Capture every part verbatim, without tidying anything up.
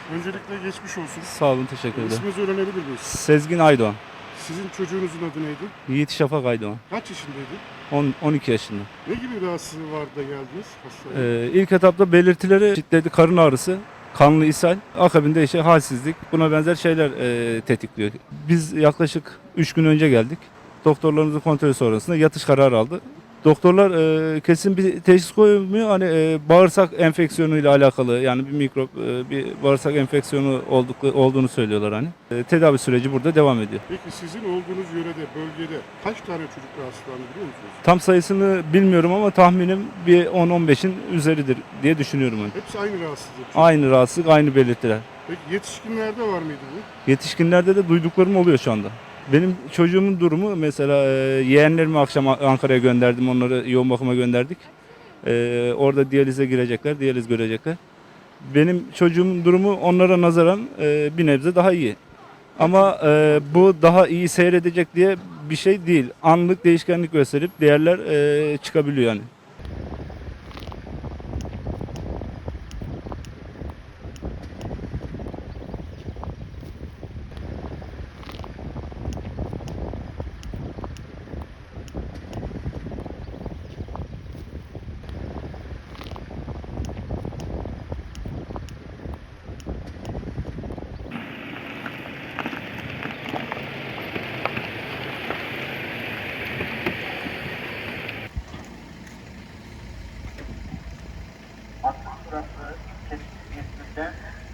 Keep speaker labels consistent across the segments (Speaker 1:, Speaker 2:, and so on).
Speaker 1: Öncelikle geçmiş olsun.
Speaker 2: Sağ olun, teşekkür ederim.
Speaker 1: İsminizi öğrenebilir miyiz?
Speaker 2: Sezgin Aydoğan.
Speaker 1: Sizin çocuğunuzun adı neydi?
Speaker 2: Yiğit Şafak Aydoğan.
Speaker 1: Kaç yaşındaydı?
Speaker 2: on, on iki yaşında.
Speaker 1: Ne gibi rahatsızlığı vardı da geldiniz hastaneye?
Speaker 2: Ee, ilk etapta belirtileri şiddetli karın ağrısı, kanlı ishal, akabinde işte halsizlik, buna benzer şeyler e, tetikliyor. Biz yaklaşık üç gün önce geldik. Doktorlarımızın kontrolü sonrasında yatış kararı aldı. Doktorlar e, kesin bir teşhis koymuyor. Hani e, bağırsak enfeksiyonuyla alakalı, yani bir mikrop, e, bir bağırsak enfeksiyonu olduklu, olduğunu söylüyorlar hani. E, tedavi süreci burada devam ediyor.
Speaker 1: Peki sizin olduğunuz yörede, bölgede kaç tane çocuk rahatsızlandı biliyor musunuz?
Speaker 2: Tam sayısını bilmiyorum ama tahminim bir on on beşin üzeridir diye düşünüyorum hani.
Speaker 1: Hepsi aynı rahatsızlık.
Speaker 2: Aynı rahatsızlık, aynı belirtiler.
Speaker 1: Peki yetişkinlerde var mıydı bu?
Speaker 2: Yetişkinlerde de duyduklarım oluyor şu anda. Benim çocuğumun durumu mesela e, yeğenlerimi akşam Ankara'ya gönderdim, onları yoğun bakıma gönderdik. E, orada diyalize girecekler, diyaliz görecekler. Benim çocuğumun durumu onlara nazaran e, bir nebze daha iyi. Ama e, bu daha iyi seyredecek diye bir şey değil. Anlık değişkenlik gösterip değerler e, çıkabiliyor yani.
Speaker 3: Hattın burası kesin İzmir'den.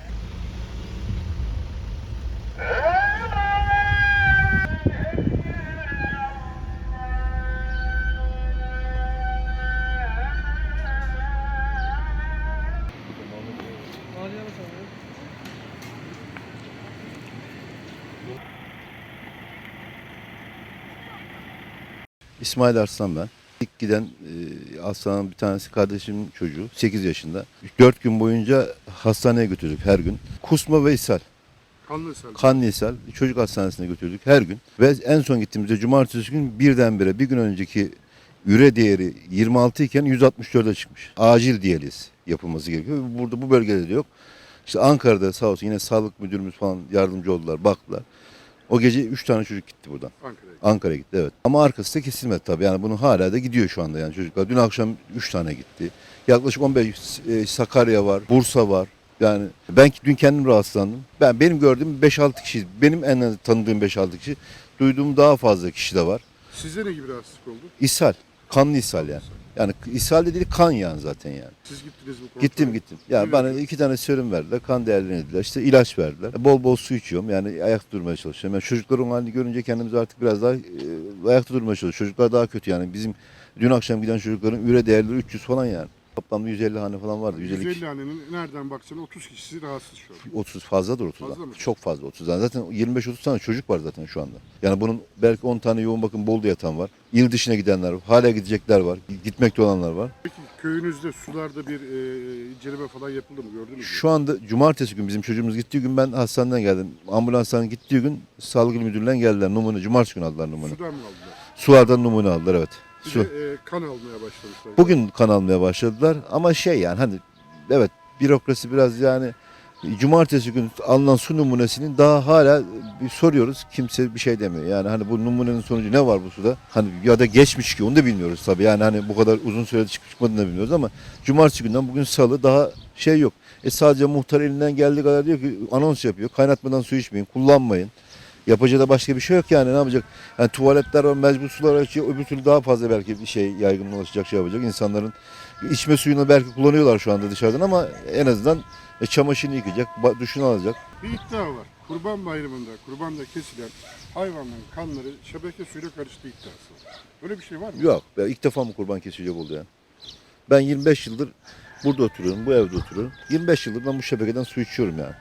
Speaker 4: İsmail Arslan ben. İlk giden e, hastanın bir tanesi kardeşimin çocuğu sekiz yaşında. dört gün boyunca hastaneye götürdük her gün. Kusma ve ishal,
Speaker 1: Kanlı ishal.
Speaker 4: kanlı ishal çocuk hastanesine götürdük her gün. Ve en son gittiğimizde cumartesi gün birdenbire bir gün önceki üre değeri yirmi altı iken yüz altmış dörde çıkmış. Acil diyaliz yapılması gerekiyor. Burada bu bölgede de yok. İşte Ankara'da sağ olsun yine sağlık müdürümüz falan yardımcı oldular, baktılar. O gece üç tane çocuk gitti buradan.
Speaker 1: Ankara'ya.
Speaker 4: Ankara'ya gitti, evet. Ama arkası da kesilmedi tabii. Yani bunun hala da gidiyor şu anda yani çocuklar. Dün akşam üç tane gitti. Yaklaşık on beş e, Sakarya var, Bursa var. Yani ben dün kendim rahatsızlandım. Ben benim gördüğüm beş altı kişi, benim en az tanıdığım beş altı kişi, duyduğum daha fazla kişi de var.
Speaker 1: Sizde ne gibi rahatsızlık oldu?
Speaker 4: İshal, kanlı ishal yani. Yani ishal dediği kan yani zaten yani.
Speaker 1: Siz gittiniz bu kontrole.
Speaker 4: Gittim gittim. Yani
Speaker 1: Ne
Speaker 4: bana
Speaker 1: verdiniz?
Speaker 4: iki tane serum verdiler. Kan değerlerini dediler. İşte ilaç verdiler. Bol bol su içiyorum. Yani ayakta durmaya çalışıyorum. Yani çocukların halini görünce kendimizi artık biraz daha e, ayakta durmaya çalışıyoruz. Çocuklar daha kötü yani. Bizim dün akşam giden çocukların üre değerleri üç yüz falan yani. Toplamda yüz elli hane falan vardı. yüz elli
Speaker 1: yüz elli
Speaker 4: kişi.
Speaker 1: hanenin nereden baksan otuz kişisi rahatsız şu an.
Speaker 4: otuz fazladır otuzdan.
Speaker 1: Fazla mı?
Speaker 4: Çok fazla otuzdan. Zaten yirmi beş otuz tane çocuk var zaten şu anda. Yani bunun belki on tane yoğun bakım Bolu'da yatan var. İl dışına gidenler var. Hala gidecekler var. Gitmekte olanlar var.
Speaker 1: Peki köyünüzde sularda bir e, inceleme falan yapıldı mı gördünüz mü?
Speaker 4: Şu anda cumartesi gün bizim çocuğumuz gittiği gün ben hastaneden geldim. Ambulanstan gittiği gün sağlık il müdürlüğünden geldiler. Numune, cumartesi günü aldılar numune.
Speaker 1: Sudan mı aldılar?
Speaker 4: Sulardan numune aldılar, evet.
Speaker 1: Bir
Speaker 4: Su.
Speaker 1: de e, kan almaya başlamışlar.
Speaker 4: Bugün kan almaya başladılar ama şey yani hani evet bürokrasi biraz yani cumartesi günü alınan su numunesinin daha hala bir soruyoruz. Kimse bir şey demiyor. Yani hani bu numunenin sonucu ne var bu suda? Hani ya da geçmiş ki onu da bilmiyoruz tabii. Yani hani bu kadar uzun sürede çıkıp çıkmadığını da bilmiyoruz ama cumartesi günden bugün salı daha şey yok. E sadece muhtar elinden geldiği kadar diyor ki anons yapıyor. Kaynatmadan su içmeyin, kullanmayın. Yapacağı da başka bir şey yok yani ne yapacak? Yani tuvaletler var, mecbur sular açıyor. Öbür türlü daha fazla belki bir şey yaygınlaşacak, şey yapacak. İnsanların içme suyunu belki kullanıyorlar şu anda dışarıdan ama en azından e, çamaşırını yıkayacak, ba- duşunu alacak.
Speaker 1: Bir iddia var. Kurban Bayramı'nda kurbanda kesilen hayvanların kanları şebeke suyuyla karıştığı iddiası var. Öyle bir şey var mı?
Speaker 4: Yok, ben ilk defa mı kurban kesilecek oldu yani? Ben yirmi beş yıldır burada oturuyorum, bu evde oturuyorum. yirmi beş yıldır ben bu şebekeden su içiyorum yani.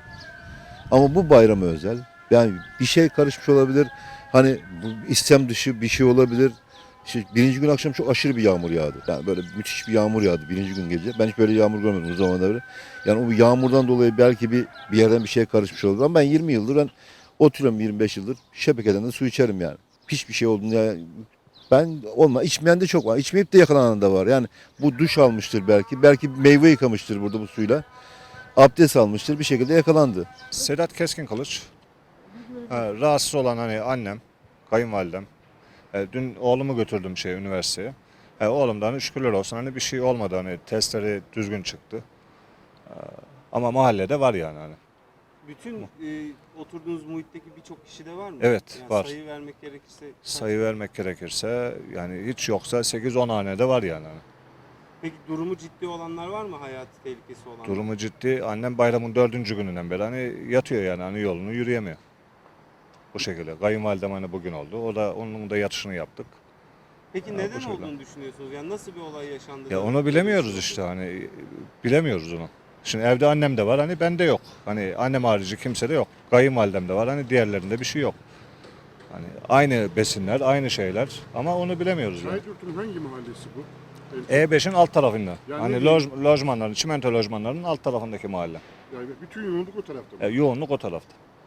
Speaker 4: Ama bu bayrama özel. Yani bir şey karışmış olabilir. Hani bu istem dışı bir şey olabilir. İşte birinci gün akşam çok aşırı bir yağmur yağdı. Yani böyle müthiş bir yağmur yağdı birinci gün gece. Ben hiç böyle yağmur görmedim o zamanda beri. Yani o yağmurdan dolayı belki bir bir yerden bir şey karışmış olabilir. Ama ben yirmi yıldır ben oturuyorum yirmi beş yıldır. Şebekeden de su içerim yani. Hiçbir şey olduğunu yani ben olma içmeyen de çok var. İçmeyip de yakalanan da var. Yani bu duş almıştır belki. Belki meyve yıkamıştır burada bu suyla. abdest almıştır, bir şekilde yakalandı.
Speaker 5: Sedat Keskin Kılıç. Ha, rahatsız olan hani annem, kayınvalidem. E, dün oğlumu götürdüm şey üniversiteye. E, oğlumdan hani şükürler olsun hani bir şey olmadı, hani testleri düzgün çıktı. E, ama mahallede var yani hani.
Speaker 6: Bütün e, oturduğunuz muhitteki birçok kişi de var mı?
Speaker 5: Evet,
Speaker 6: Yani
Speaker 5: var.
Speaker 6: Sayı vermek gerekirse. kaç?
Speaker 5: Sayı vermek gerekirse yani hiç yoksa sekiz on hanede var yani. Hani.
Speaker 6: Peki durumu ciddi olanlar var mı? Hayati tehlikesi olanlar?
Speaker 5: Durumu ciddi. Annem bayramın dördüncü gününden beri hani yatıyor yani hani yolunu yürüyemiyor. Bu şekilde. Kayınvalidem hani bugün oldu. O da onun da yatışını yaptık.
Speaker 6: Peki
Speaker 5: Ya,
Speaker 6: neden
Speaker 5: bu şekilde.
Speaker 6: olduğunu düşünüyorsunuz? Yani nasıl bir olay yaşandı?
Speaker 5: Ya
Speaker 6: da
Speaker 5: onu
Speaker 6: böyle
Speaker 5: bilemiyoruz
Speaker 6: bir şey
Speaker 5: işte
Speaker 6: oldu?
Speaker 5: hani bilemiyoruz onu. Şimdi evde annem de var hani bende yok. Hani annem harici kimse de yok. Kayınvalidem de var hani diğerlerinde bir şey yok. Hani aynı besinler, aynı şeyler ama onu bilemiyoruz yani.
Speaker 1: Şahidyurt'un hangi mahallesi bu?
Speaker 5: E beşin alt tarafında.
Speaker 1: Yani
Speaker 5: hani
Speaker 1: ne
Speaker 5: loj, lojmanların, çimento lojmanlarının alt tarafındaki mahalle.
Speaker 1: Yani bütün yoğunluk o tarafta mı?
Speaker 5: E, yoğunluk o tarafta.